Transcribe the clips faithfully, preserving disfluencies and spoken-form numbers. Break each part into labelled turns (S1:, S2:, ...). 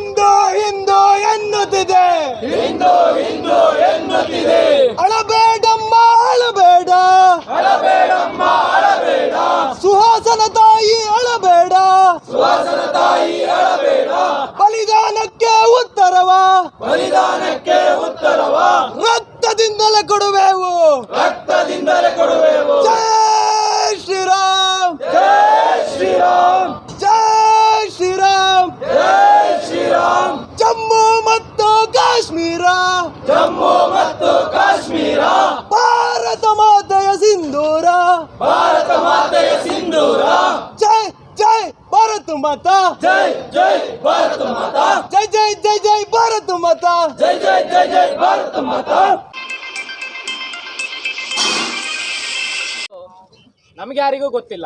S1: ಹಿಂದೂ ಹಿಂದೂ ಎನ್ನುತ್ತಿದೆ
S2: ಹಿಂದೂ ಹಿಂದೂ ಎನ್ನುತ್ತಿದೆ
S1: ಅಳಬೇಡಮ್ಮ ಅಳಬೇಡ
S2: ಅಳಬೇಡಮ್ಮ ಅಳಬೇಡ
S1: ಸುಹಾಸನ ತಾಯಿ ಅಳಬೇಡ
S2: ಸುಹಾಸನ ತಾಯಿ ಅಳಬೇಡ
S1: ಬಲಿದಾನಕ್ಕೆ ಉತ್ತರವ
S2: ಬಲಿದಾನಕ್ಕೆ ಉತ್ತರವ
S1: ರಕ್ತದಿಂದಲೇ ಕೊಡುವೆವು
S2: ರಕ್ತದಿಂದಲೇ ಕೊಡುವೆವು
S1: ಜೈ ಶ್ರೀರಾಮ್
S2: ಜೈ ಶ್ರೀರಾಮ್
S1: ಜೈ ಶ್ರೀರಾಮ್
S2: ಜೈ ಶ್ರೀರಾಮ್
S1: ಜಮ್ಮು ಮತ್ತು ಕಾಶ್ಮೀರ
S2: ಜಮ್ಮು ಮತ್ತು ಕಾಶ್ಮೀರ
S1: ಭಾರತ ಮಾತೆಯ ಸಿಂಧೂರ
S2: ಭಾರತ ಮಾತೆಯ ಸಿಂಧೂರ
S1: ಜೈ ಜೈ ಭಾರತ ಮಾತಾ
S2: ಜೈ ಜೈ ಭಾರತ ಮಾತಾ
S1: ಜೈ ಜೈ ಜೈ ಜೈ ಭಾರತ ಮಾತಾ
S2: ಜೈ ಜೈ ಜೈ ಜೈ ಭಾರತ ಮಾತಾ.
S3: ನಮಗೆ ಯಾರಿಗೂ ಗೊತ್ತಿಲ್ಲ.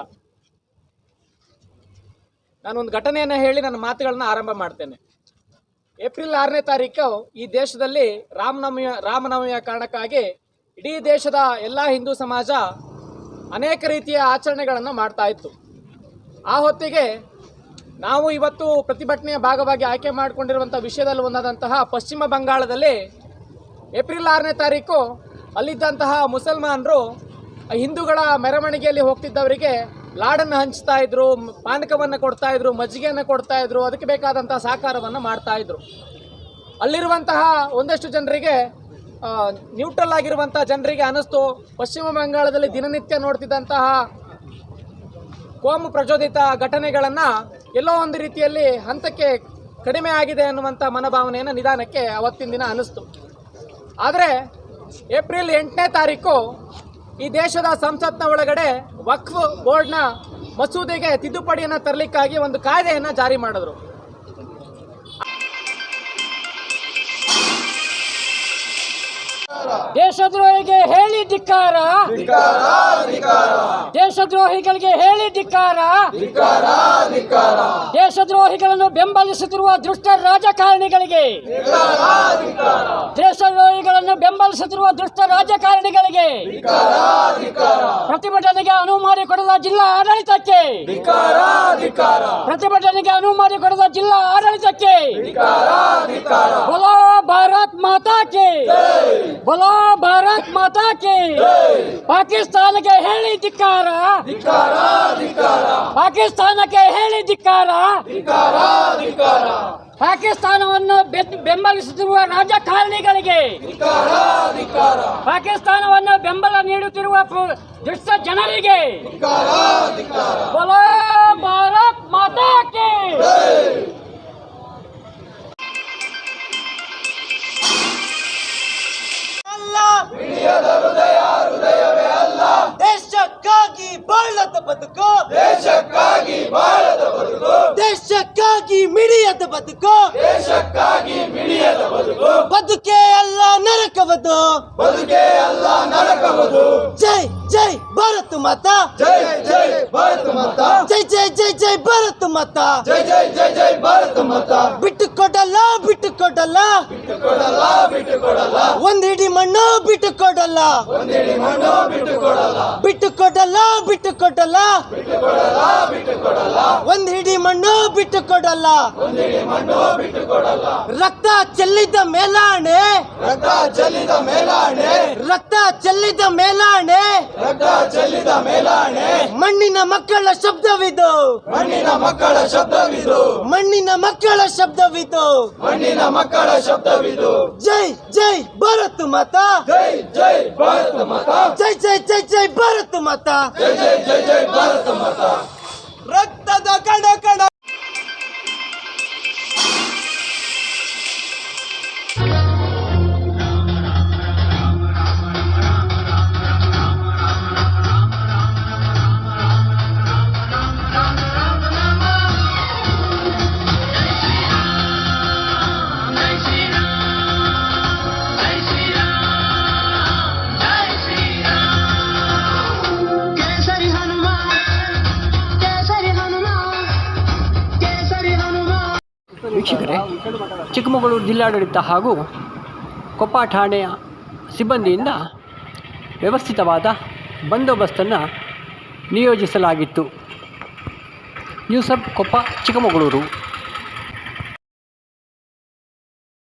S3: ನಾನೊಂದು ಘಟನೆಯನ್ನು ಹೇಳಿ ನನ್ನ ಮಾತುಗಳನ್ನ ಆರಂಭ ಮಾಡ್ತೇನೆ. ಏಪ್ರಿಲ್ ಆರನೇ ತಾರೀಕು ಈ ದೇಶದಲ್ಲಿ ರಾಮನವಮಿಯ ರಾಮನವಮಿಯ ಕಾರಣಕ್ಕಾಗಿ ಇಡೀ ದೇಶದ ಎಲ್ಲ ಹಿಂದೂ ಸಮಾಜ ಅನೇಕ ರೀತಿಯ ಆಚರಣೆಗಳನ್ನು ಮಾಡ್ತಾ ಇತ್ತು. ಆ ಹೊತ್ತಿಗೆ ನಾವು ಇವತ್ತು ಪ್ರತಿಭಟನೆಯ ಭಾಗವಾಗಿ ಆಯ್ಕೆ ಮಾಡಿಕೊಂಡಿರುವಂಥ ವಿಷಯದಲ್ಲಿ ಒಂದಾದಂತಹ ಪಶ್ಚಿಮ ಬಂಗಾಳದಲ್ಲಿ ಏಪ್ರಿಲ್ ಆರನೇ ತಾರೀಕು ಅಲ್ಲಿದ್ದಂತಹ ಮುಸಲ್ಮಾನರು ಹಿಂದೂಗಳ ಮೆರವಣಿಗೆಯಲ್ಲಿ ಹೋಗ್ತಿದ್ದವರಿಗೆ ಲಾಡನ್ನು ಹಂಚ್ತಾ ಇದ್ರು, ಪಾನಕವನ್ನು ಕೊಡ್ತಾ ಇದ್ರು, ಮಜ್ಜಿಗೆಯನ್ನು ಕೊಡ್ತಾ ಇದ್ರು, ಅದಕ್ಕೆ ಬೇಕಾದಂತಹ ಸಹಕಾರವನ್ನು ಮಾಡ್ತಾ ಇದ್ರು. ಅಲ್ಲಿರುವಂತಹ ಒಂದಷ್ಟು ಜನರಿಗೆ ನ್ಯೂಟ್ರಲ್ ಆಗಿರುವಂತಹ ಜನರಿಗೆ ಅನಿಸ್ತು, ಪಶ್ಚಿಮ ಬಂಗಾಳದಲ್ಲಿ ದಿನನಿತ್ಯ ನೋಡ್ತಿದ್ದಂತಹ ಕೋಮು ಪ್ರಚೋದಿತ ಘಟನೆಗಳನ್ನು ಎಲ್ಲೋ ಒಂದು ರೀತಿಯಲ್ಲಿ ಹಂತಕ್ಕೆ ಕಡಿಮೆ ಆಗಿದೆ ಅನ್ನುವಂಥ ಮನೋಭಾವನೆಯನ್ನು ನಿಧಾನಕ್ಕೆ ಅವತ್ತಿನ ದಿನ ಅನ್ನಿಸ್ತು. ಆದರೆ ಏಪ್ರಿಲ್ ಎಂಟನೇ ತಾರೀಕು ಈ ದೇಶದ ಸಂಸತ್ನ ಒಳಗಡೆ ವಕ್ಫ್ ಬೋರ್ಡ್ನ ಮಸೂದೆಗೆ ತಿದ್ದುಪಡಿಯನ್ನು ತರಲಿಕ್ಕಾಗಿ ಒಂದು ಕಾಯ್ದೆಯನ್ನು ಜಾರಿ ಮಾಡಿದ್ರು. ದೇಶದ್ರೋಹಿಗೆ ಹೇಳಿ ಧಿಕ್ಕಾರ, ದೇಶದ್ರೋಹಿಗಳಿಗೆ ಹೇಳಿ ಧಿಕ್ಕಾರ, ದೇಶದ್ರೋಹಿಗಳನ್ನು ಬೆಂಬಲಿಸುತ್ತಿರುವ ದುಷ್ಟ ರಾಜಕಾರಣಿಗಳಿಗೆ, ದೇಶದ್ರೋಹಿಗಳನ್ನು ಬೆಂಬಲಿಸುತ್ತಿರುವ ದುಷ್ಟ ರಾಜಕಾರಣಿಗಳಿಗೆ ಪ್ರತಿಭಟನೆಗೆ ಅನುವು ಮಾಡಿಕೊಡದ ಜಿಲ್ಲಾ ಆಡಳಿತಕ್ಕೆ, ಪ್ರತಿಭಟನೆಗೆ ಅನುವು ಮಾಡಿಕೊಡದ ಜಿಲ್ಲಾ ಆಡಳಿತಕ್ಕೆ ಬೋಲೋ ಭಾರತ್ ಮಾತಾ ಕೆ, ಬೋಲೋ ಭಾರತ್ ಮಾತಾ ಕೆ. ಪಾಕಿಸ್ತಾನಕ್ಕೆ ಹೇಳಿ ಧಿಕ್ಕಾರ, ಪಾಕಿಸ್ತಾನಕ್ಕೆ ಹೇಳಿ ಧಿಕ್ಕಾರ, ಪಾಕಿಸ್ತಾನವನ್ನು ಬೆಂಬಲಿಸುತ್ತಿರುವ ರಾಜಕಾರಣಿಗಳಿಗೆ, ಪಾಕಿಸ್ತಾನವನ್ನು ಬೆಂಬಲ ನೀಡುತ್ತಿರುವ ದುಷ್ಟ ಜನರಿಗೆ ಬೋಲೋ ಭಾರತ್ ಮಾತಾ ಕೆ.
S1: ದೇಶಕ್ಕಾಗಿ ಬಾಳದ ಬದುಕು,
S2: ದೇಶಕ್ಕಾಗಿ ಬಾಳದ ಬದುಕು,
S1: ದೇಶಕ್ಕಾಗಿ ಮಿಡಿಯದ ಬದುಕು,
S2: ದೇಶಕ್ಕಾಗಿ ಮಿಡಿಯದ ಬದುಕು,
S1: ಬದುಕೇ ಅಲ್ಲ ನರಕವದು,
S2: ಬದುಕೇ ಅಲ್ಲ ನರಕವದು.
S1: ಜೈ ಜೈ ಭಾರತ ಮಾತಾ,
S2: ಜೈ ಜೈ ಭಾರತ ಮಾತಾ,
S1: ಜೈ ಜೈ ಜೈ ಜೈ ಭಾರತ ಮಾತಾ,
S2: ಜೈ ಜೈ ಜೈ ಜೈ ಭಾರತ ಮಾತಾ.
S1: ಬಿಟ್ಟು ಕೊಡಲ್ಲ ಬಿಟ್ಟು ಕೊಡಲ್ಲ
S2: ಬಿಟ್ಟು ಕೊಡಲ್ಲ ಬಿಟ್ಟು ಕೊಡಲ್ಲ,
S1: ಒಂದಿಡಿ ಮಣ್ಣು ಬಿಟ್ಟು ಕೊಡಲ್ಲ,
S2: ಒಂದಿಡಿ ಮಣ್ಣು ಬಿಟ್ಟು ಕೊಡಲ್ಲ,
S1: ಬಿಟ್ಟು ಕೊಡಲ್ಲ ಬಿಟ್ಟು ಕೊಡಲ್ಲ,
S2: ಬಿಟ್ಟು ಕೊಡಲ್ಲ ಬಿಟ್ಟು ಕೊಡಲ್ಲ,
S1: ಒಂದ್ ಹಿಡಿ ಮಣ್ಣು ಬಿಟ್ಟು ಕೊಡಲ್ಲ,
S2: ಒಂದಿಡಿ ಮಣ್ಣು ಬಿಟ್ಟು ಕೊಡಲ್ಲ.
S1: ರಕ್ತ ಚೆಲ್ಲಿದ ಮೇಲಾಣೆ,
S2: ರಕ್ತ ಚೆಲ್ಲಿದ ಮೇಲಾಣೆ,
S1: ರಕ್ತ ಚೆಲ್ಲಿದ ಮೇಲಾಣೆ,
S2: ರಕ್ತ ಚೆಲ್ಲಿದ ಮೇಲಾಣೆ,
S1: ಮಣ್ಣಿನ ಮಕ್ಕಳ ಶಬ್ದವಿದು,
S2: ಮಣ್ಣಿನ ಮಕ್ಕಳ ಶಬ್ದವಿದು,
S1: ಮಣ್ಣಿನ ಮಕ್ಕಳ ಶಬ್ದವಿದು,
S2: ಮಣ್ಣಿನ ಮಕ್ಕಳ ಶಬ್ದವಿದು.
S1: ಜೈ ಜೈ ಭಾರತ ಮಾತಾ,
S2: ಜೈ ಜೈ ಭಾರತ ಮಾತಾ,
S1: ಜೈ ಜೈ ಜೈ ಜೈ ಭಾರತ ಮಾತಾ,
S2: ಜೈ ಜೈ ಜೈ ಜೈ ಭಾರತ ಮಾತಾ.
S1: ರಕ್ತದ ಕಣ ಕಣ
S4: ವೀಕ್ಷಕರೇ, ಚಿಕ್ಕಮಗಳೂರು ಜಿಲ್ಲಾಡಳಿತ ಹಾಗೂ ಕೊಪ್ಪ ಠಾಣೆಯ ಸಿಬ್ಬಂದಿಯಿಂದ ವ್ಯವಸ್ಥಿತವಾದ ಬಂದೋಬಸ್ತನ್ನು ನಿಯೋಜಿಸಲಾಗಿತ್ತು. News hub Koppa Chikkamagaluru.